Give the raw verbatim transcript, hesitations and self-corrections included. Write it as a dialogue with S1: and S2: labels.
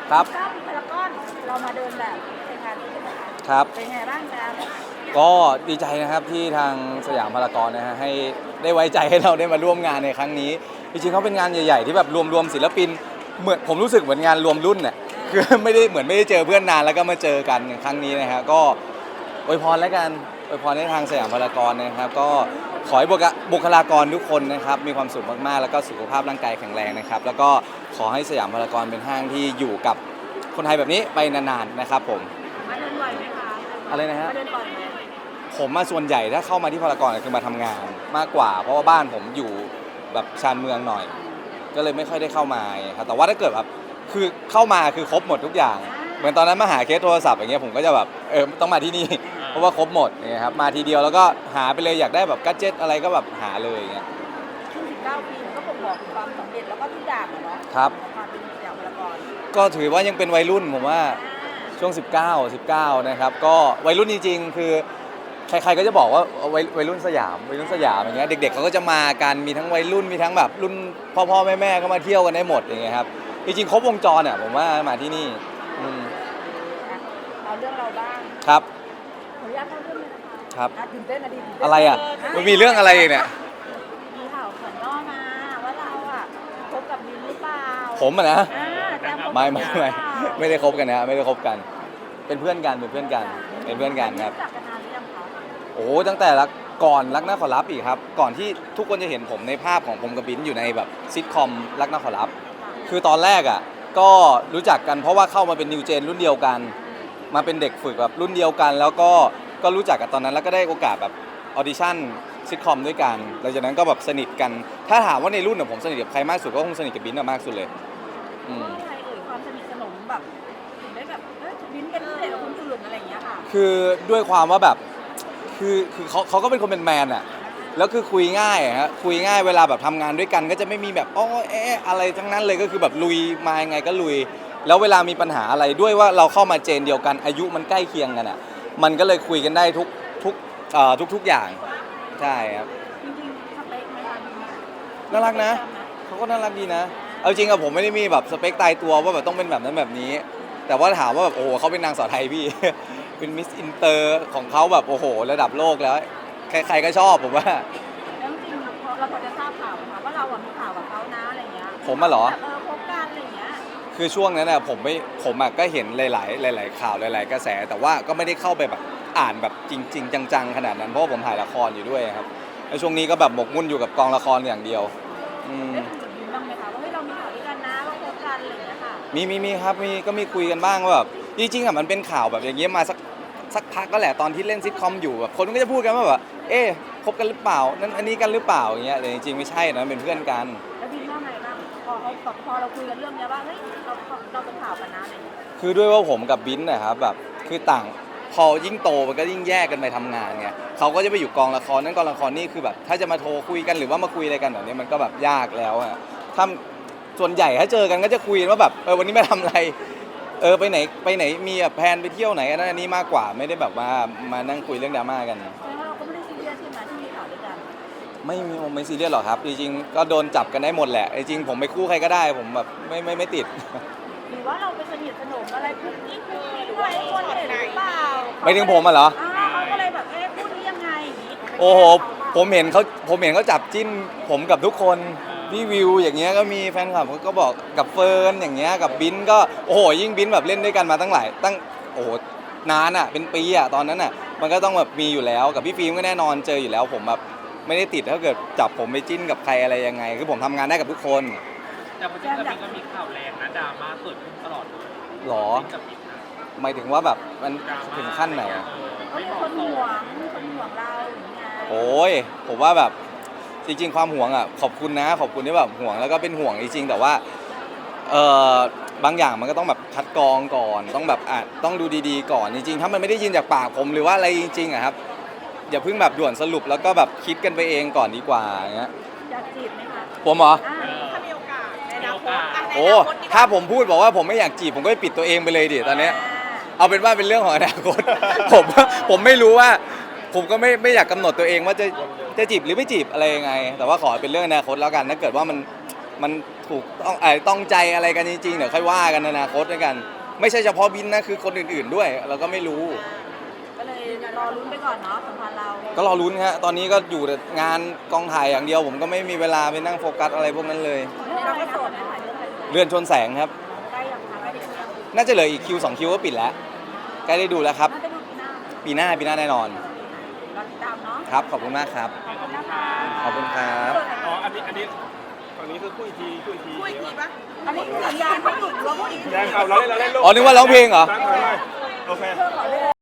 S1: ครับ
S2: เก้าปีพารากอนเรามาเดินแบบในงานนี้ใช่ไหมคะ
S1: ครับ
S2: เป็นไงบ้างจ๊ะ
S1: ก็ดีใจนะครับที่ทางสยามพารากอนนะฮะให้ได้ไว้ใจให้เราได้มาร่วมงานในครั้งนี้จริงๆเขาเป็นงานใหญ่ๆที่แบบรวมๆศิลปินเหมือนผมรู้สึกเหมือนงานรวมรุ่นเนี่ยคือไม่ได้เหมือนไม่ได้เจอเพื่อนนานแล้วก็มาเจอกันในครั้งนี้นะฮะก็อวยพรแล้วกันอวยพรให้ทางสยามพารากอนนะครับก็ขอให้บุคลากรทุกคนนะครับมีความสุขมากๆแล้วก็สุขภาพร่างกายแข็งแรงนะครับแล้วก็ขอให้สยามพารากอนเป็นห้างที่อยู่กับคนไทยแบบนี้ไปนานๆนะครับผม
S2: มาเดินบ่อยไหมคะ
S1: อะไรนะฮะ
S2: มาเดินบ่อยไหม
S1: ผมมาส่วนใหญ่ถ้าเข้ามาที่พารากอนคือมาทำงานมากกว่าเพราะว่าบ้านผมอยู่แบบชานเมืองหน่อยก็เลยไม่ค่อยได้เข้ามาครับแต่ว่าถ้าเกิดแบบคือเข้ามาคือครบหมดทุกอย่างเหมือนตอนนั้นมาหาเคสโทรศัพท์อย่างเงี้ยผมก็จะแบบเออต้องมาที่นี่เพราะว่าครบหมดเนี่ยครับมาทีเดียวแล้วก็หาไปเลยอยากได้แบบกัจเจ็ตอะไรก็แบบหาเลยอย่างเงี้ย
S2: ช่วงสิบเก้าปีมันก็บ่งบอกถึงความสำเร็จแล้วก็ทุกอย่างอะเนาะ
S1: ครับ
S2: ของความเป็นสยามพารากอน
S1: ก็ถือว่ายังเป็นวัยรุ่นผมว่าช่วงสิบเก้า สิบเก้านะครับก็วัยรุ่นจริงๆคือใครๆก็จะบอกว่าวัยวัยรุ่นสยามวัยรุ่นสยามอย่างเงี้ยเด็กๆเขาก็จะมากันมีทั้งวัยรุ่นมีทั้งแบบรุ่นพ่อๆแม่ๆก็มาเที่ยวกันได้หมดอย่างเงี้ยครับจริงๆครบวงจรอ่ะผมว่ามาที่นี่อืม
S2: อ่ะเอาเรื่องเราบ้าง
S1: ครับ
S2: ขออนุญาตเข้าเรื่องเลยนะคะ
S1: ครับ
S2: อ่ะตื่นเต้นนะดิตื่นเต้น
S1: อะไรอ่ะมันมีเรื่องอะไรอีกเนี่ย
S2: มีข่าวขวัญย่อมาว่าเราอ่ะคบกับมินหรือเปล่า
S1: ผมอ่ะนะ
S2: อ่าแจมคบกับ
S1: ไม่ไม่ไม่
S2: มินหรือเปล่า
S1: ไม่ได้คบกันนะไม่ได้คบกันเป็นเพื่อนกันเป็นเพื่อนกันเป็นเพื่อนกันครับ
S2: รู้จักกันนานหรือยังคะ
S1: โอ้ตั้งแต่ละก่อนรักน่าขอรับอีกครับก่อนที่ทุกคนจะเห็นผมในภาพของผมกับบิ้นอยู่ในแบบซิทคอมรักน่าขอรับคือตอนแรกอ่ะก็รู้จักกันเพราะว่าเข้ามาเป็นนิวเจนรุ่นเดียวกันมาเป็นเด็กฝึกแบบรุ่นเดียวกัน แล้วก็ก็รู้จักกันตอนนั้นแล้วก็ได้โอกาสแบบออดิชั่นซิทคอมด้วยกันหลังจากนั้นก็แบบสนิทกันถ้าถามว่าในรุ่นเนี่ยผมสนิทกับใครมากสุดก็คงสนิทกับบิ้นอะมากสุดเลยอืม
S2: เพราะอะไรเอ่ยความสนิทสนมแบบถึงได้แบบเอ้ยบินเป็นพิเศษกับคนอื่นอะไรอย่างเงี้ยค่ะ
S1: คือด้วยความว่าแบบคือคือเขาเขาก็เป็นคนเป็นแมนอะแล้วคือคุยง่ายอะฮะคุยง่ายเวลาแบบทำงานด้วยกันก็จะไม่มีแบบอ้อแอะอะไรทั้งนั้นเลยก็คือแบบลุยมายังไงก็ลุยแล้วเวลามีปัญหาอะไรด้วยว่าเราเข้ามาเจนเดียวกันอายุมันใกล้เคียงกันอะมันก็เลยคุยกันได้ทุกทุกเอ่อทุกทุกอย่างใช่ครับ
S2: จริงๆสเปคไหมคะบิน
S1: น่ารักนะเขาก็น่ารักดีนะเอาจริงอะผมไม่ได้มีแบบสเปคตายตัวว่าแบบต้องเป็นแบบนั้นแบบนี้ แต่ว่าถามว่าแบบโอ้โหเขาเป็นนางสาวไทยพี่ เป็นมิสอินเตอร์ของเขาแบบโอ้โหระดับโลกแล้วใครๆก็ชอบผมว่า
S2: แล้วจริงๆพอเราพอจะทราบข่าวไหมคะว่าเราอะมีข่าวกับเขานะอะไรเงี้ย
S1: ผมอะเหรอ
S2: แบบเออคบกันอะไรเงี้ย
S1: คือช่วงนั้นอะผมไม่ผมอะก็เห็นหลายๆหลายๆข่าวหลายๆกระแส แต่ว่าก็ไม่ได้เข้าไปแบบอ่านแบบจริง ๆ จังๆขนาดนั้นเพราะว่าผมถ่ายละครอยู่ด้วยครับแล้วช่วงนี้ก็แบบหมกมุ่นอยู่กับกองละครอย่างเดียวอืม
S2: ได้คุยกับบินบ้างไหมคะว่าเฮ้ยเรามีข่าวด้วยกันนะว่าคบกันอะไรเงี้ยค่ะ
S1: มีมีมีครับมีก็มีคุยกันบ้างว่าแบบจริงๆอะมันเป็นข่าวแบบอย่างเงี้ยมาสักสักพักก็แหละตอนที่เล่นซิทคอมอยู่แบบคนก็จะพูดกันว่าแบบเอ๊ะคบกันหรือเปล่านั่นอันนี้กันหรือเปล่าอย่างเงี้ยแต่จริงๆไม่ใช่นะเป็นเพื่อนกัน
S2: แล้วบินว่าไงบ้างพอเขาแบบพอเราคุยกันเรื่องเนี้ยว่าเฮ้ยเราเราเป็นข่าวกันนะอะไรเงี้ย
S1: คือด้วยว่าผมกับบิ้นนะครับแบบคือต่างพอยิ่งโตมันก็ยิ่งแยกกันไปทำงานไงเขาก็จะไปอยู่กองละครนั้นกองละครนี่คือแบบถ้าจะมาโทรคุยกันหรือว่ามาคุยอะไรกันแบบนี้มันก็แบบยากแล้วอะถ้าส่วนใหญ่ถ้าเจอกันก็จะคุยกันว่าแบบเออวันนี้มาทำอะไรเออไปไหนไปไหนมีแบบแพลนไปเที่ยวไหนอันนั้นอันนี้มากกว่าไม่ได้แบบว่ามานั่งคุยเรื่องดราม่ากัน
S2: แสดงว่าเราก็ไม่ได้ซีเรียสใช่ไหมที่มีข่าวด้วยกัน
S1: ไม่มีไม่ซีเรียสหรอกครับจริงๆก็โดนจับกันได้หมดแหละจริงๆผมไปคู่ใครก็ได้ผมแบบไม่ไม่ไม่ติด
S2: หรือว่าเราไปสนิทสนมอะไรคุกกิ๊กคุกกิ๊กอะไรให้คนเห็นหรือเปล่า
S1: ไม่ถึงผมอะเหรอ
S2: อ่าเขาก็เลยแบบเอ๊ะพูดนี้ยังไงอย่างงี้
S1: โอ้โหผมเห็นเขาผมเห็นเขาจับจิ้นผมกับทุกคนพี่วิวอย่างเงี้ยก็มีแฟนคลับเขาก็บอกกับเฟิร์นอย่างเงี้ยกับบินก็โอ้โหยิ่งบินแบบเล่นด้วยกันมาตั้งหลายตั้งโอ้โหนานอ่ะเป็นปีอ่ะตอนนั้นอ่ะมันก็ต้องแบบมีอยู่แล้วกับพี่ฟิล์มก็แน่นอนเจออยู่แล้วผมแบบไม่ได้ติดถ้าเกิดจับผมไปจิ้นกับใครอะไรยังไงคือผมทำงานได้กับทุกคน
S3: แต่พอจริงๆมันก็มีข่าวแรงนะดราม่าเกิดขึ้นตลอดเลย
S1: หรอ
S3: กับบิ๊กนะ
S1: หมายถึงว่าแบบมันถึงขั้นไหนอ่ะ
S2: เขาเป็นคนห่วงคนห่วงเราอย่างเงี้ย
S1: โอ้ยผมว่าแบบจริงๆความห่วงอ่ะขอบคุณนะขอบคุณที่แบบห่วงแล้วก็เป็นห่วงจริงๆแต่ว่าเออบางอย่างมันก็ต้องแบบคัดกรองก่อนต้องแบบอ่ะต้องดูดีๆก่อนจริงๆถ้ามันไม่ได้ยินจากปากผมหรือว่าอะไรจริงๆอ่ะครับอย่าเพิ่งแบบด่วนสรุปแล้วก็แบบคิดกันไปเองก่อนดีกว่าอย่างเงี้ย
S2: อยากจีบไหมคะ
S1: ผมเหรอ
S2: อ่าถ้ามีโอกาสในอนาคตอ่ะใน
S1: โอ้
S2: อนาคตดีกว่า
S1: ถ้าผมพูดบอกว่าผมไม่อยากจีบผมก็ไปปิดตัวเองไปเลยดิตอนเนี้ยเอาเป็นว่าเป็นเรื่องของอนาคต ผมผมไม่รู้ว่าผมก็ไม่ไม่อยากกำหนดตัวเองว่าจะจะจีบหรือไม่จีบอะไรยังไงแต่ว่าขอเป็นเรื่องอนาคตแล้วกันถ้าเกิดว่ามันมันถูกต้องเออต้องใจอะไรกันจริงๆเดี๋ยวค่อยว่ากันในอนาคตด้วยกัน ไม่ใช่เฉพาะบินนะคือคนอื่นๆด้วย เราก็ไม่รู้
S2: ก็เลยรอลุ้นไปก่อนเนาะสัมพันธ์เรา
S1: ก็รอลุ้นฮะตอนนี้ก็อยู่แต่งานกองถ่ายอย่างเดียว ผมก็ไม่มีเวลาไปนั่งโฟกัสอะไรพวกนั้นเลย
S2: เราก็โสดนะคะเรื่องอะไร
S1: เรือนชนแสงครับ
S2: ใกล้ยังคะใกล้ถึงยัง
S1: น่าจะเหลืออีกคิวสองคิวก็ปิดแล้วใกล้ได้ดูแล้วครับ
S2: น่าจะดูปีหน้า
S1: ปีหน้าปีหน้าแน่นอน
S2: รอติดตามเนาะ
S1: ครับ ขอบคุณมากครับ
S2: ขอบคุณนะคะ
S1: ขอบคุณครับ
S3: อ๋ออันนี้อันนี้ฝั่งนี้คือคุยทีคุยที
S2: พูดอีกทีปะอันนี้คือสัญญาณให้หยุดหรือว่าพูดอีกที
S3: แรงเอาเราเล่นเราเล่นลูก
S1: อ๋อนึกว่าร้องเพลงเหรอ
S3: ตั้งไว้โอเค
S2: เพื่อขอเรื่อง